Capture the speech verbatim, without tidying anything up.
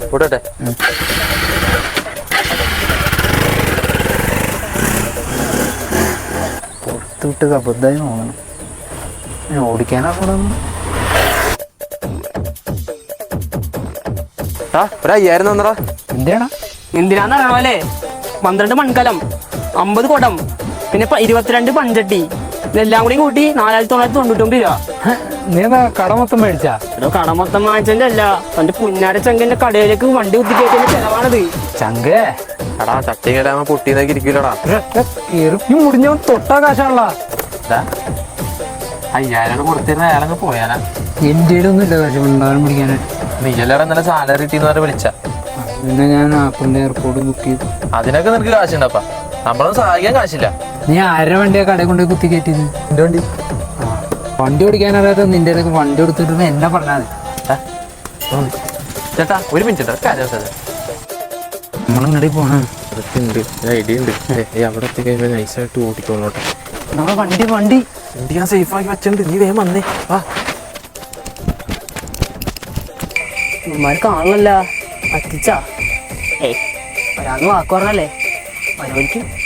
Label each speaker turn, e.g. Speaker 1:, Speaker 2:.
Speaker 1: കൂട്ടട്ടെ.
Speaker 2: പുറത്തുവിട്ട് കബദ്ധായി തോന്നണം. ഓടിക്കാനാ കൂടെ
Speaker 1: ഒരു അയ്യായിരം തന്നടാ.
Speaker 2: എന്തിനാ
Speaker 3: എന്തിനാന്നറിയണോ അല്ലേ? പന്ത്രണ്ട് മൺകലം, അമ്പത് കുടം, പിന്നെ ഇരുപത്തിരണ്ട് പഞ്ചട്ടി, ഇതെല്ലാം കൂടി കൂട്ടി നാലായിരത്തി തൊള്ളായിരത്തി തൊണ്ണൂറ്റൊമ്പത് രൂപ.
Speaker 2: നീ കട മൊത്തം മേടിച്ചാ?
Speaker 3: എടോ കട മൊത്തം വാങ്ങിച്ചതിന്റെ അല്ല, തന്റെ പുന്നാര ചങ്കന്റെ കടയിലേക്ക് വണ്ടി കുത്തിക്കയറ്റിന്റെ ചെലവാണത്.
Speaker 2: ചങ്കേ
Speaker 1: എടാ ചട്ടിങ്ങലാമ പൊട്ടിന്നൊക്കെ ഇരിക്കൂലടാ.
Speaker 2: ഈ മുടിഞ്ഞവൻ തൊട്ടാ കാശാണല്ലോ.
Speaker 1: അയ്യായിരം കൊടുത്തിരുന്ന അയാളങ്ങ് പോയാനാ.
Speaker 2: എന്റെ ഒന്നും ഇല്ല കാശ് ഉണ്ടാകാൻ പിടിക്കാനായിട്ട്.
Speaker 1: നീയല്ലാടെ ഇന്നലെ സാലറി കിട്ടിയെന്ന് പറഞ്ഞ് വിളിച്ച.
Speaker 2: പിന്നെ ഞാൻ ആപ്പിളിന്റെ എയർപോർട്ട് ബുക്ക് ചെയ്തു.
Speaker 1: അതിനൊക്കെ നിനക്ക് കാശുണ്ടപ്പാ, നമ്മളൊന്നും സഹായിക്കാൻ കാശില്ല.
Speaker 2: നീ ആരുടെ വണ്ടിയാ കടയിൽ കൊണ്ടുപോയി കുത്തി കയറ്റിയത്?
Speaker 1: എന്റെ വണ്ടി.
Speaker 2: വണ്ടി ഓടിക്കാൻ അറിയാത്ത നിന്റെ ഇടയ്ക്ക് വണ്ടി കൊടുത്തിട്ട് എന്നെ പറഞ്ഞാൽ മതി.
Speaker 1: ചേട്ടാ ഒരു മിനിറ്റ് കാര്യം
Speaker 2: നമ്മളിങ്ങടി പോണം.
Speaker 1: അതൊക്കെ ഉണ്ട്, ഐഡിയ ഉണ്ട്. അവിടെ എത്തിക്കഴിയുമ്പോ നൈസായിട്ട് ഓടിക്കോളോട്ടെ.
Speaker 2: നമ്മളെ വണ്ടി വണ്ടി
Speaker 1: വണ്ടി ഞാൻ സേഫ് ആക്കി വെച്ചിട്ടുണ്ട്, നീ വേഗം വന്നേ. വാ
Speaker 3: ഉമ്മാര് കാണണല്ല, പറ്റിച്ചാ? ഏയ് ഒരാന്ന് വാക്ക് പറഞ്ഞല്ലേ, പരിപാടിക്ക്